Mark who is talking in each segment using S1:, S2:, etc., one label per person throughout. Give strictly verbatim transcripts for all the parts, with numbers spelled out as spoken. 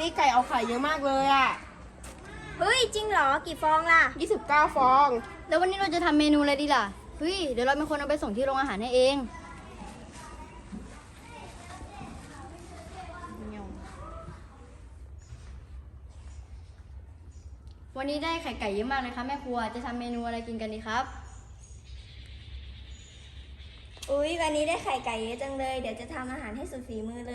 S1: นี้ไก่เอาไข่เยอะมากเลยอ่ะ
S2: เฮ้ยจริงเหรอกี่ฟองล่ะ
S1: ยี่สิบเก้าฟอง
S3: แล้ววันนี้เราจะทำเมนูอะไรดีล่ะ เฮ้ย เดี๋ยวเราเป็นคนเอาไปส่งที่โรงอาหารให้เอง วันนี้ได้ไข่ไก่เยอะมากเลยครับแม่ครัว จะทำเมนูอะไรกินกันดีครับ
S2: อุ๊ยวันนี้ได้ไข่ไก่เยอะจังเลยเดี๋ยวจะทำอาหารให้สุดฝีมือเลย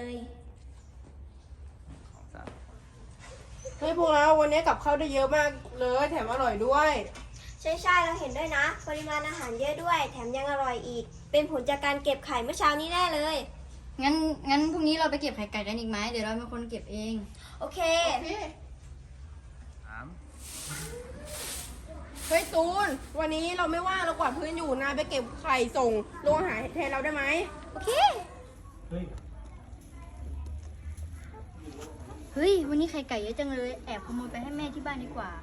S1: เฮ้ยพวกเราวันนี้กับข้าวได้เยอะมากเลยแถมอร่อยด้วย
S2: ใช่ใช่เราเห็นด้วยนะ ปริมาณอาหารเยอะด้วย แถมยังอร่อยอีก เป็นผลจากการเก็บไข่เมื่อเช้านี้แน่เลย
S3: งั้นงั้นพรุ่งนี้เราไปเก็บไข่ไก่กันอีกไหมเดี๋ยวเราเป็นคนเก็บเอง
S2: โอเค
S1: เฮ้ยตูนวันนี้เราไม่ว่างเรากวาดพื้นอยู่นายไปเก็บไข่ส่งโรงอาหารแทนเราได้ไหม
S2: โอเค
S3: เฮ้ย วันนี้ไข่ไก่เยอะจังเลย แอบขโมยไปให้แม่ที่บ้านดีกว่า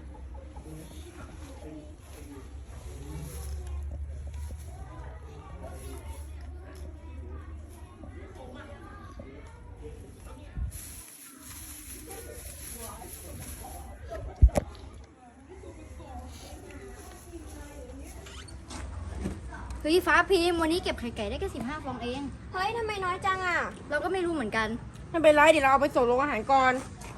S3: เฮ้ย ฟ้าพิมพ์วันนี้เก็บไข่ไก่ได้แค่สิบห้าฟองเอง
S2: เฮ้ยทำไมน้อยจังอ่ะ
S3: เราก็ไม่รู้เหมือนกัน
S1: ไม่เป็นไรเดี๋ยวเราเอาไปส่งโรงอาหารก่อน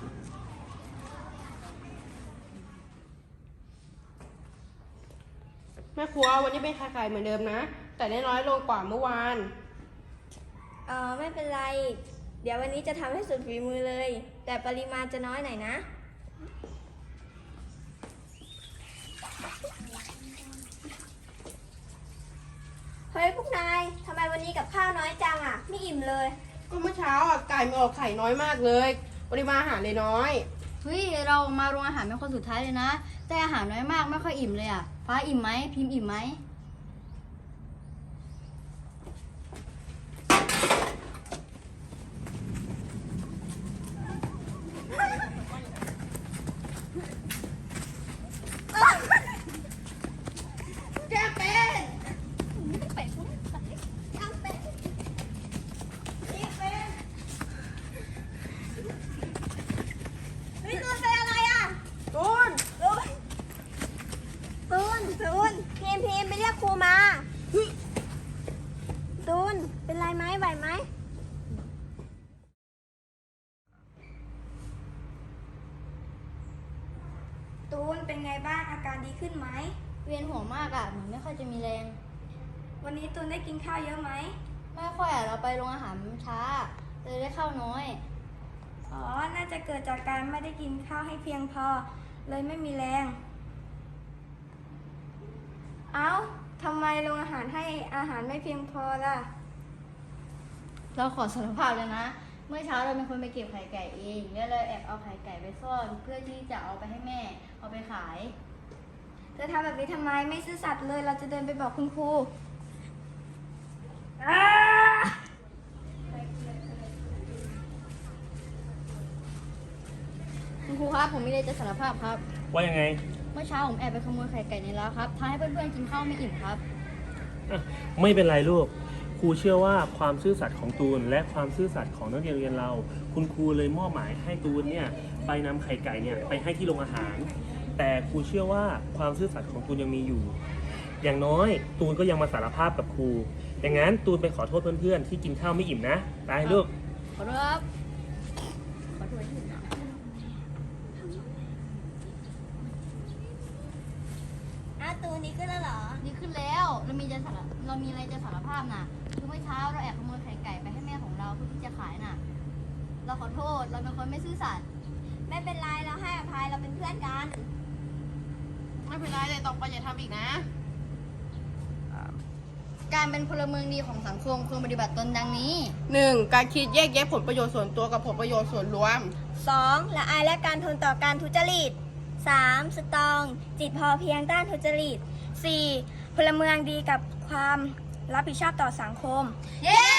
S1: แม่ครัววันนี้เป็นไข่ไก่เหมือนเดิมนะ แต่ได้น้อยลงกว่าเมื่อวาน
S2: เออไม่เป็นไร เดี๋ยววันนี้จะทำให้สุดฝีมือเลย แต่ปริมาณจะน้อยหน่อยนะ เฮ้ยพวกนายทำไมวันนี้กับข้าวน้อยจังอ่ะ ไม่อิ่มเลย
S1: ก็เมื่อเช้าอ่ะไก่มันออกไข่น้อยมากเลยปริมาณอาหารเลยน้อย
S3: เฮ้ย เรามาโรงอาหารเป็นคนสุดท้ายเลยนะ แต่อาหารน้อยมากไม่ค่อยอิ่มเลยอ่ะ ฟ้าอิ่มไหม พิมพ์อิ่มไหม
S1: แก้เป็น
S2: เฮ้ยตูนเป็นอะไรอ่ะ
S1: ตูน
S2: ตูนตูนตูนพีมพีมไปเรียกครูมาตูนเป็นไรไหมไหวไหมตูนเป็นไงบ้างอาการดีขึ้นไหม
S3: เวียนหัวมากอ่ะ เหมือนไม่ค่อยจะมีแรง
S2: วันนี้ตูนได้กินข้าวเยอะไหม
S3: ไม่ค่อยอ่ะ เราไปโรงอาหารช้า เลยได้ข้าวน้อย
S2: อ๋อ น่าจะเกิดจากการไม่ได้กินข้าวให้เพียงพอ เลยไม่มีแรง เอ้าทำไมโรงอาหารให้อาหารไม่เพียงพอล่ะ
S3: เราขอสารภาพเลยนะ เมื่อเช้าเราเป็นคนไปเก็บไข่ไก่เองแล้วเลยแอบเอาไข่ไก่ไปซ่อน เพื่อที่จะเอาไปให้แม่ เอาไปขาย
S2: จะทำแบบนี้ทำไมไม่ซื่อสัตย์เลย เราจะเดินไปบอกคุณครูอ้า
S3: คุณครูครับ ผมมีอะไรจะสารภาพครับ
S4: ว่ายังไง
S3: เมื่อเช้าผมแอบไปขโมยไข่ไก่ในร้านครับทำให้เพื่อนๆกินข้าวไม่อิ่มครับ
S4: อ่ะไม่เป็นไรลูก ครูเชื่อว่าความซื่อสัตย์ของตูน และความซื่อสัตย์ของนักเรียนโรงเรียนเรา คุณครูเลยมอบหมายให้ตูนเนี่ยไปนำไข่ไก่เนี่ยไปให้ที่โรงอาหาร แต่ครูเชื่อว่าความซื่อสัตย์ของตูนยังมีอยู่ อย่างน้อยตูนก็ยังมาสารภาพกับครู อย่างนั้นตูนไปขอโทษเพื่อนๆที่กินข้าวไม่อิ่มนะไปลูก
S3: ขอโทษครับ ขอโทษที่นะ
S2: อ้าวตูนนี้ขึ้นแล้วเหรอ
S3: ดีขึ้นแล้ว เรามีจะสารเรามีอะไรจะสารภาพนะคือเมื่อเช้าเราแอบขโมยไข่ไก่ไปให้แม่ของเราเพื่อที่จะขายน่ะ เราขอโทษ เราเป็นคนไม่ซื่อสัตย์
S2: ไม่เป็นไรเราให้อภัยเราเป็นเพื่อนกัน
S1: ไม่เป็นไรแต่ต่อไปอย่าทำอีกนะ
S3: การเป็นพลเมืองดีของสังคมควรปฏิบัติตนดังนี้
S1: หนึ่งการคิดแยกแยะผลประโยชน์ส่วนตัวกับผลประโยชน์ส่วนรวม
S2: สองละอายและการทนต่อการทุจริต สามสตรอง จิตพอเพียงต้านทุจริต สี่พลเมืองดีกับความรับผิดชอบต่อสังคม
S3: เย้